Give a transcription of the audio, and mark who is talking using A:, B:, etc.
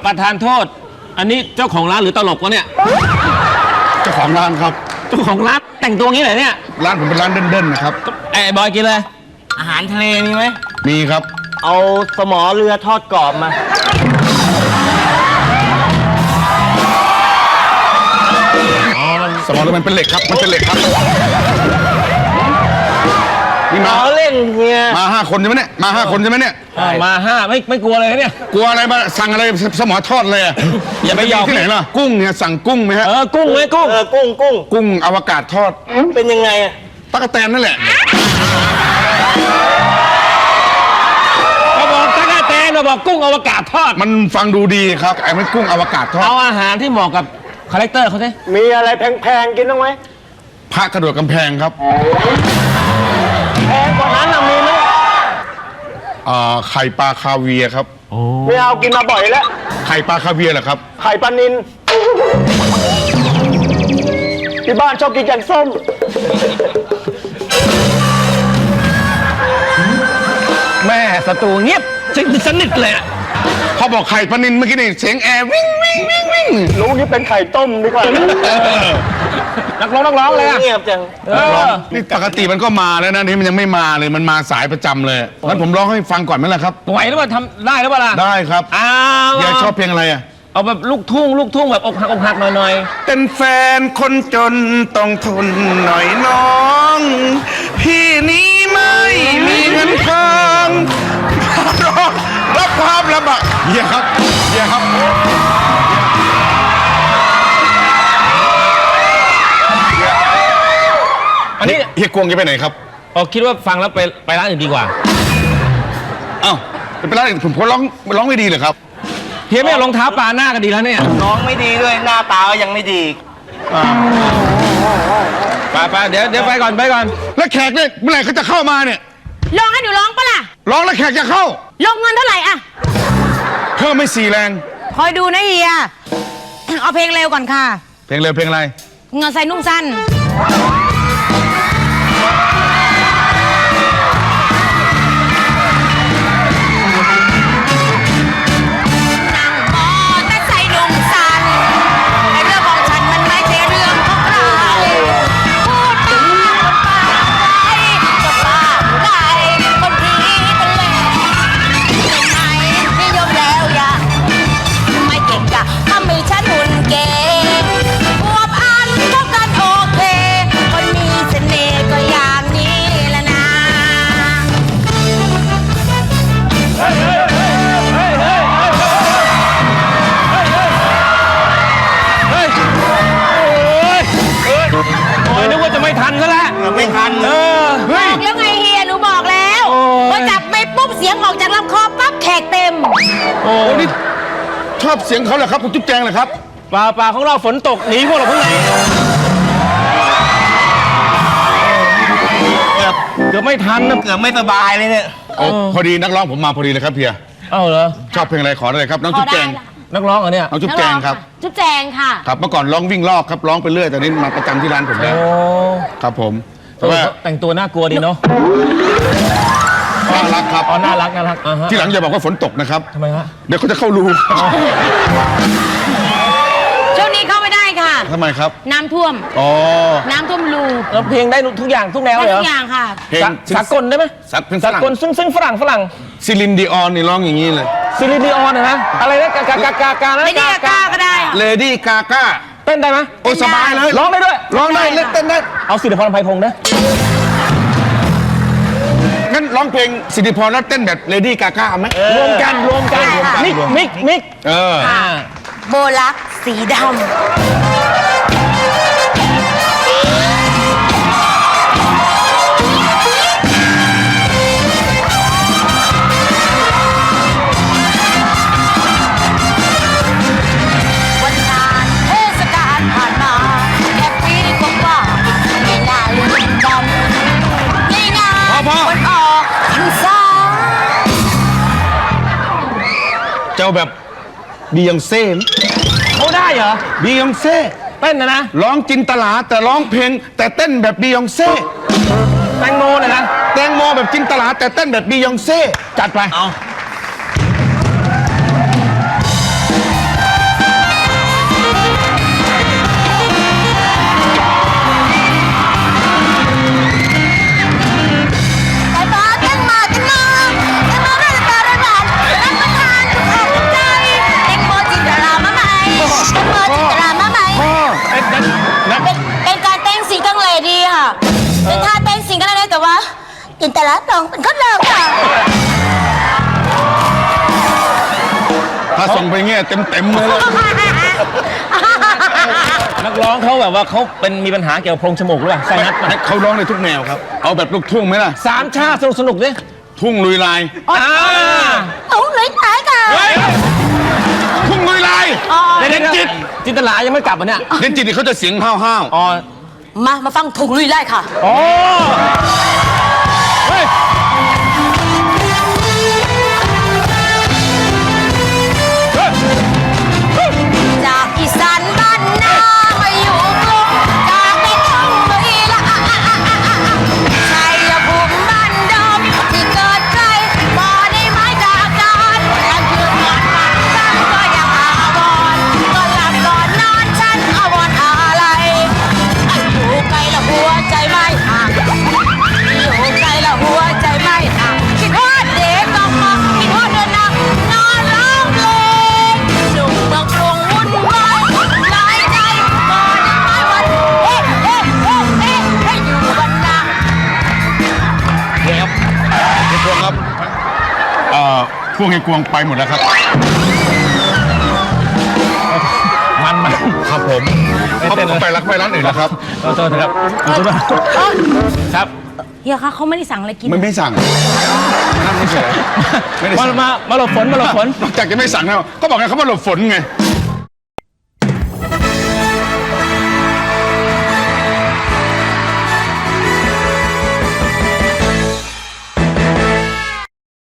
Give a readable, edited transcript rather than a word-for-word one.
A: ประธานโทษอันนี้เจ้าของร้านหรือตลกวะเนี่ย
B: เจ้าของร้านครับ
A: เจ้าของร้านแต่งตัวงี้เหรอเนี่ย
B: ร้านผมเป็นร้านเด่นๆนะครับ
A: ไอ้บอยกินเลยอาหารทะเลมีไหม
B: มีครับ
A: เอาสมอเรือทอดกรอบมา
B: สมอเรือมันเป็นเหล็กครับมันเป็นเหล็กครับ
A: นี่มาเล่นเฮีย
B: มา5 คนใช่ไหมเนี่ยมา5 คนใช่ไหมเนี่ย
A: มา5ไม่กลัวเลยเนี่ย
B: กลัวอะไรมาสั่งอะไรสมอทอดเลย
A: อย่าไปยอม
B: ที่ไหนล่ะกุ้งเนี่ยสั่งกุ้งไหมฮะ
A: กุ้งไหมกุ้ง
B: อวกาศทอด
A: เป็นยังไงอะ
B: ตั๊กแตนนั่นแหละ
A: เราบอกตั๊กแตนเราบอกกุ้งอวกาศทอด
B: มันฟังดูดีครับไอ้มันกุ้งอวกาศทอด
A: เอาอาหารที่เหมาะกับคาแรคเตอร์เขาสิ
C: มีอะไรแพงๆกินบ้างไหม
B: พระกระโดดกำแพงครับ
C: แพงกว่านั้นมีไหม
B: ไข่ปลาคาเวียครับ
C: ไม่เอากินมาบ่อยแล้ว
B: ไข่ปลาคาเวียเหรอครับ
C: ไข่ปลานิลที่บ้านชอบกินแกงส้ม
A: แม่ศัตรูเงียบสนิทเลย
B: พอบอกไข่ปลานิลเมื่อกี้นี่เสียงแอร์วิ่ง
C: รู้นี่เป็นไข่ต้มดีกว่า
A: นักร้องเลย
C: เงียบจัง
B: นี่ปกติมันก็มาแล้วนะนี่มันยังไม่มาเลยมันมาสายประจำเลยงั้นผมร้องให้ฟังก่อนไหมล่ะครับ
A: ไหวหรือเปล่าทำได้หรือเปล่าล่ะ
B: ได้ครับยายชอบเพลงอะไร
A: เอาแบบลูกทุ่งแบบอกหักหน่อย
B: เป็นแฟนคนจนต้องทนหน่อยน้องพี่นี้ไม่มีเงินทองรับความลำบากเฮียครับ
A: อันนี้
B: เฮียกวงจะไปไหนครับ
A: คิดว่าฟังแล้วไปร้านอื่นดีกว่า
B: อ้าวไปร้านอื่นผมร้องไม่ดีเหรอครับ
A: เฮียไม่เอารองเท้าปลาหน้ากันดีแล้วเนี่ย
C: น้องไม่ดีด้วยหน้าตายังไม่ดี
A: ไปเดี๋ยวไปก่อน
B: แล้วแขกเนี่ยเมื่อไหร่เขาจะเข้ามาเนี่ย
D: ร้องให้หนูร้องปะล่ะ
B: ร้องแล้วแขกจะเข้า
D: ลงเงินเท่าไหร่อะ
B: เพิ่มไม่4 แรง
D: คอยดูนะเฮียเอาเพลงเร็วก่อนค่ะ
B: เพลงเร็วเพลงอะไร
D: เงินใส่นุ่งสั้น
A: ไม่ทันซะแล้ว
C: ไม่ทัน
D: บอกแล้วไงเฮียหนูบอกแล้วพอจับไปปุ๊บเสียงออกจากลำคอปั๊บแขกเต็ม
B: โอ้นี่ชอบเสียงเขาเหรอครับคุณจุ๊บแจงเหรอครับ
A: เปล่าของเราฝนตกหนีพวกเราข้างในเกือบไม่ทันนะ
C: เกือบไม่สบายเลยเนี่ย
B: พอดีนักร้องผมมาพอดีเลยครับเพีย
A: เหรอ
B: ชอบเพลงอะไรขอได้ครับน้องจุ๊บแจง
A: นักร้องเหรอเนี่ย
B: น้องจุ๊บแจงครับ
D: จุ๊บแจงค่ะ
B: ครับเมื่อก่อนร้องวิ่งรอบครับร้องไปเรื่อยแต่นี้มาประจำที่ร้านผมแล้วครับผม
A: แต่ว่าแต่งตัวน่ากลัวดีเนาะ
B: น่ารักครับ
A: น่ารัก
B: ที่หลังอย่าบอกว่าฝนตกนะครับ
A: ทำไมฮะ
B: เดี๋ยวเขาจะเข้ารู
D: ช่วงนี้เข้าไม่ได้ค่ะ
B: ทำไมครับ
D: น้ำท่วมน้ำท่วมรู
A: แล้วเพลงได้ทุกอย่างทุกแนวเลยเหรอ
D: ทุกอย่างค่ะ
A: เพลงสากลได้ไหมสากลซึ่งฝรั่ง
B: ซิลินดิออนนี่ร้องอย่างนี้เลย
A: ซิลินดิออนนะอะไรนะกา
D: เลดี้กาก็ได้
B: เลดี้กาก้า
A: เต้นได้ไหม
B: โอ้สบายเลย
A: ร้องได้ด้วย
B: ร้องได้เต้นได้
A: เอาสิริพร อำไพพงษ์นะ
B: งั้นร้องเพลงสิริพรแล้วเต้นแบบเลดี้กาก้าไหม
A: รวมกันมิก
D: โบลักสีดำ
B: เจ้าแบบบียองเซ่
A: เขาได้เหรอ
B: บียองเซ่
A: เต้นนะ
B: ร้องจินตลาแต่ร้องเพลงแต่เต้นแบบบียองเซ่
A: แตงโมนะ
B: แตงโมแบบจินตลาแต่เต้นแบบบียองเซ่จัดไป
D: จินตลาดองเป็นคนเราค่ะ
B: ถ้าส่งไปเงี้ยเต็มเลย
A: นักร้องเขาแบบว่าเขาเป็นมีปัญหาเกี่ยวกับโพรงจมูกหรือเปล่าไซนัส
B: ให้เขาร้องในทุกแนวครับ เอาแบบลูกทุ่งไหมล่ะ
A: สามชาติสนุกดิ
B: ทุ่งลุยลาย
D: เอาหน่อยตายค่ะ
B: ทุ่งลุยลาย
A: เด่นจิตจินตลายังไม่กลับอ่ะเนี่ย
B: เด่นจิตนี่เขาจะเสียงห้าว
A: อ๋อ
D: มาฟังถุงลุยไล่ค่ะ
A: อ๋อเฮ้ย
D: จากอีสานบ้านนามาอยู่กรุงจากในทุ่งลุยละชัยภูมิบ้านเดิมที่เกิดใครบ่ได้ไม้จากการการคืนนอนฝันบ้างก็ยังอาวรก็หลับก่อนนอนฉันอาวรอะไรอยู่ไกลละหัวใจไม่ห่างอยู่ไกลละหัวใจไม่ห่างคิดว่าเด็กออกมาคิดว่าเดินนานอนร้องเพลงหนุ่มเมืองกรุงวุ่นวายหลายใจก่อนไม่วันเฮ้เฮ้เฮ้เฮ้เฮ้อยู่วันนา
B: ๆเดี๋ยวเฮียกวงครับพวกเฮียกวงไปหมดแล้วครับ
A: มัน
B: ครับผมเขาไปรักไปร้านอื่นแล้วครับ
A: ขอโทษนะครับขอโทษครับ
D: เฮียคะเขาไม่ได้สั่งอะไรกิน
B: ไม่สั่งนั่งเฉยๆไม่ได้
A: มา
B: สั่ง
A: มาหลบฝนมาหลบฝน
B: นอกจากจะไม่สั่งแล้วก็บอกไงเขามาหลบฝนไง